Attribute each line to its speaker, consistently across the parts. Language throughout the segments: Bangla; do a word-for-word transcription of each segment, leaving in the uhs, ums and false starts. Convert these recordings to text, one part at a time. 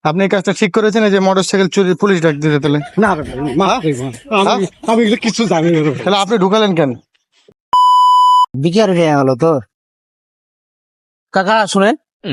Speaker 1: আপনি এই কাজটা ঠিক করেছেন, এই যে মোটরসাইকেল চুরি পুলিশ ডাক দিতে তাহলে?
Speaker 2: না রে ভাই, মাফ করে দিন। আমি আমি এগুলো কিছু জানি না রে ভাই।
Speaker 1: তাহলে আপনি ঢুকালেন কেন?
Speaker 3: বিকার হয়ে গেল তো কাকা, শুনেন,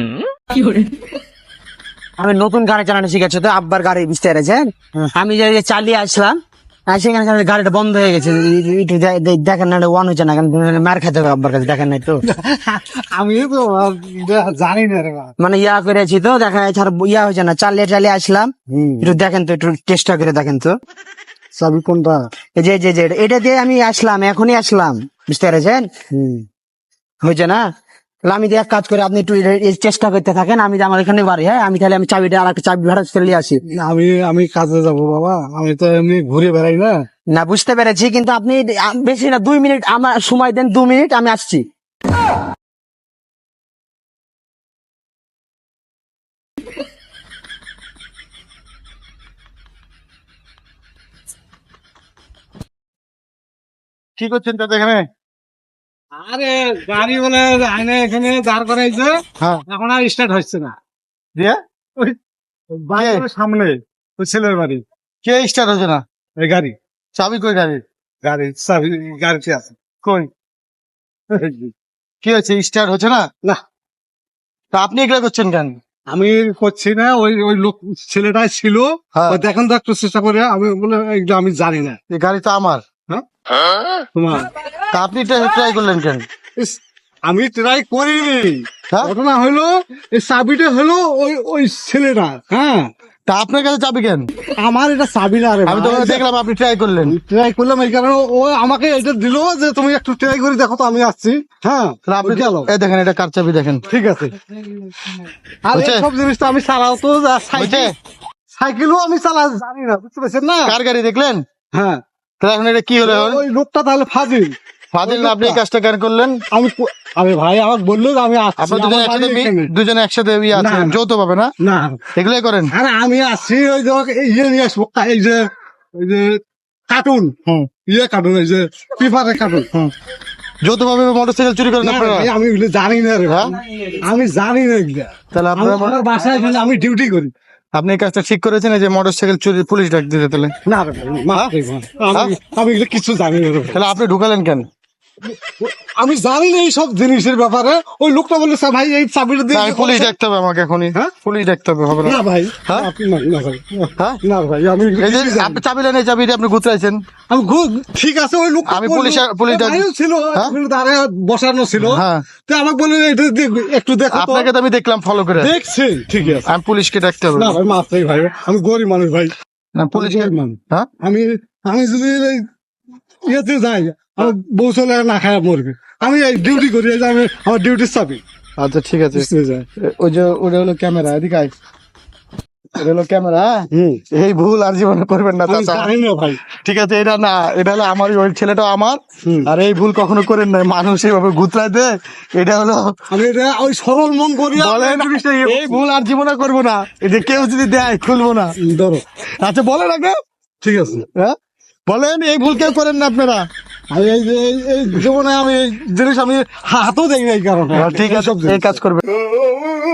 Speaker 3: আমি নতুন গাড়ি চালানো শিখেছি তো, আব্বার গাড়ি বুঝতে পেরেছেন। আমি যে যে চালিয়ে আসলাম, আর সেখানে গাড়িটা বন্ধ হয়ে গেছে। একটু দে- দে- দেখেন না, ওয়ান হচ্ছে না কেন, মার খেতে হবে আব্বার কাছে, দেখেন নাই তো।
Speaker 2: আমি তো জানি না রে ভাই।
Speaker 3: মানে ইয়া করেছি তো, দেখা যাচ্ছে আর ইয়া হয়েছে না, চালিয়ে চালিয়ে আসলাম। একটু দেখেন তো, একটু চেষ্টা করে দেখেন তো।
Speaker 2: চাবি কোনটা?
Speaker 3: এই যে যে যে এটা দিয়ে আমি আসলাম, এখনই আসলাম, বুঝতে পেরেছেন, হয়েছে না? তাহলে আমি দিয়ে এক কাজ করে, আপনি একটু এ- এই চেষ্টা করতে থাকেন। আমি যে আমার এখানে বাড়ি, হ্যাঁ, আমি তাহলে আমি চাবিটা আর একটা চাবি ভাড়া চলে আসি।
Speaker 2: আমি আমি কাজে যাব বাবা, আমি তো এমনি ঘুরে বেড়াই না।
Speaker 3: না, বুঝতে পেরেছি, কিন্তু আপনি আ- বেশি না, দুই মিনিট আমার সময় দেন, দু মিনিট আমি আসছি।
Speaker 1: কি করছেন তাতে এখানে?
Speaker 2: আরে গাড়ি বলে আইনে এখানে দাঁড় করাইছে,
Speaker 1: হ্যাঁ,
Speaker 2: এখন আর স্টার্ট হচ্ছে না।
Speaker 1: দিয়ে
Speaker 2: ওই বাড়ির সামনে ওই ছেলের বাড়ি,
Speaker 1: কে স্টার্ট হচ্ছে না?
Speaker 2: এই গাড়ি
Speaker 1: চাবি কই গাড়ি?
Speaker 2: গাড়ি চাবি গাড়িতে আছে।
Speaker 1: কই? কি হয়েছে, স্টার্ট হচ্ছে না?
Speaker 2: না,
Speaker 1: তা আপনি এগুলা করছেন কেন?
Speaker 2: আমি করছি না, ওই ওই লোক ছেলেটাই ছিল।
Speaker 1: হ্যাঁ।
Speaker 2: ওই দেখেন তো একটু চেষ্টা করে, আমি বলে এগুলো আমি জানি না।
Speaker 1: এই গাড়ি তো আমার।
Speaker 2: তোমার
Speaker 1: তা আপনি ট্রাই করলেন কেন?
Speaker 2: ইস, আমি ট্রাই করিনি।
Speaker 1: হ্যাঁ?
Speaker 2: ঘটনা হলো এই চাবিটা হলো ওই ওই ছেলেটা। হ্যাঁ,
Speaker 1: তা আপনার কাছে চাবি কেন?
Speaker 2: আমার এটা চাবি না রে।
Speaker 1: আমি তো দেখলাম আপনি ট্রাই করলেন।
Speaker 2: ট্রাই করলাম এই কারণে, ও আমাকে এটা দিল যে তুমি একটু ট্রাই করে দেখো তো, আমি আসছি। হ্যাঁ,
Speaker 1: তাহলে আপনি
Speaker 2: গেল।
Speaker 1: এই দেখেন, এটা কার চাবি দেখেন।
Speaker 2: ঠিক আছে। আর
Speaker 1: হয়েছে?
Speaker 2: সব জিনিস তো আমি চালাও তো, যা সাইকেল
Speaker 1: হয়েছে?
Speaker 2: সাইকেলও আমি চালা জানি না, বুঝতে পারছেন না?
Speaker 1: কার গাড়ি দেখলেন?
Speaker 2: হ্যাঁ,
Speaker 1: তাহলে এখন এটা কি হলো এখন?
Speaker 2: ওই লোকটা তাহলে ফাজিল।
Speaker 1: ফাদিল না, আপনি এই কাজটা কেন করলেন?
Speaker 2: আমি কো- আরে ভাই আমাকে বললো যে আমি আসছি,
Speaker 1: আপনার দুজনে
Speaker 2: আমার বাড়ি
Speaker 1: একসাথে মি-
Speaker 2: এখানে।
Speaker 1: দুজনে একসাথে ইয়ে আছে,
Speaker 2: না।
Speaker 1: যৌথ পাবে না?
Speaker 2: না,
Speaker 1: এগুলোই করেন?
Speaker 2: আরে আমি আসছি ওই যে ওকে এই ইয়ে নিয়ে আসবো, এই যে ওই যে কার্টুন,
Speaker 1: হুম।
Speaker 2: ইয়ে কার্টুন, এই যে পেপারের কার্টুন।
Speaker 1: যৌথ ভাবে মোটরসাইকেল চুরি করেন
Speaker 2: না,
Speaker 1: আপনারা?
Speaker 2: ভাই, আমি এগুলো জানি না রে ভাই।
Speaker 1: হ্যাঁ?
Speaker 2: আমি জানি না এগুলা।
Speaker 1: তাহলে
Speaker 2: আমি
Speaker 1: আপনারা
Speaker 2: আমার বাসায় এখানে আমি ডিউটি করি।
Speaker 1: আপনি এই কাজটা ঠিক করেছেন, এই যে মোটরসাইকেল চুরি পুলিশ ডাক দিতে তাহলে?
Speaker 2: না রে ভাই, মাফ করে দিন। আমি আমি এগুলো কিছু জানি না রে ভাই।
Speaker 1: তাহলে আপনি ঢুকালেন কেন?
Speaker 2: আমি জানি না এইসব জিনিসের ব্যাপারে। ওই লোকটা বললো স্যার ভাই এই চাবিটা দিয়ে
Speaker 1: না, আমি পুলিশ ডাকতে হবে আমাকে এখনই।
Speaker 2: হ্যাঁ?
Speaker 1: পুলিশ ডাকতে হবে, হবে না?
Speaker 2: না ভাই,
Speaker 1: হ্যাঁ?
Speaker 2: আপনি না না ভাই,
Speaker 1: হ্যাঁ?
Speaker 2: না ভাই, আমি এগুলো
Speaker 1: এই যে
Speaker 2: কিছুই জানি
Speaker 1: আপনি
Speaker 2: না।
Speaker 1: চাবি নেন, এই চাবিটা আপনি গুতরাইছেন।
Speaker 2: আমি ঘু- ঠিক আছে, ওই লোক
Speaker 1: আমি পুলিশ- পুলিশ ডাক-
Speaker 2: ছিল,
Speaker 1: হ্যাঁ?
Speaker 2: ওখানে দাঁড়ায় বসানো ছিল।
Speaker 1: হ্যাঁ।
Speaker 2: তো আমাকে বললেন এটা দিয়ে একটু দেখো তো।
Speaker 1: আপনাকে তো আমি দেখলাম ফলো করে।
Speaker 2: দেখছি, ঠিক আছে।
Speaker 1: আমি পুলিশকে ডাকতে হবে।
Speaker 2: না ভাই, মাফ চাই ভাই, আমি গরিব মানুষ ভাই।
Speaker 1: না, পুলিশকে।
Speaker 2: গরিব মানুষ।
Speaker 1: হ্যাঁ?
Speaker 2: আমি আমি যদি এই ইয়েতে যাই, আমার বউ চলে না খায় মরবে। আমি এই ডিউটি করি, এই যে আমি আমার ডিউটির চাবি
Speaker 1: আচ্ছা, ঠিক আছে।
Speaker 2: বুঝতে যায়।
Speaker 1: এ- ওই যে ওটা হলো ক্যামেরা, এদিকে আয়। এটা হলো ক্যামেরা।
Speaker 2: হুম,
Speaker 1: এই ভুল আর জীবনে করবেন না,
Speaker 2: আমি
Speaker 1: চাচা।
Speaker 2: জানি না ভাই।
Speaker 1: ঠিক আছে, এটা না, এটা হলো আমার, ওই ছেলেটা আমার।
Speaker 2: হুম।
Speaker 1: আর এই ভুল কখনো করেন না, মানুষ এইভাবে গুতরায় দে। এটা হলো,
Speaker 2: আমি এটা ওই সরল মন করি।
Speaker 1: বলেন এই ভুল আর জীবনে করবো না, এই যে কেউ যদি দেয় খুলবো না।
Speaker 2: ধরো,
Speaker 1: আচ্ছা, বলেন আগে।
Speaker 2: ঠিক আছে।
Speaker 1: হ্যাঁ, বলেন এই ভুল কেউ করেন না আপনারা।
Speaker 2: আমি এই যে এই- এই জীবনে আমি এই জিনিস আমি হাতও দেখি না এই কারণে।
Speaker 1: ঠিক আছে,
Speaker 2: এইসব জিনিস।
Speaker 1: এই কাজ করবে।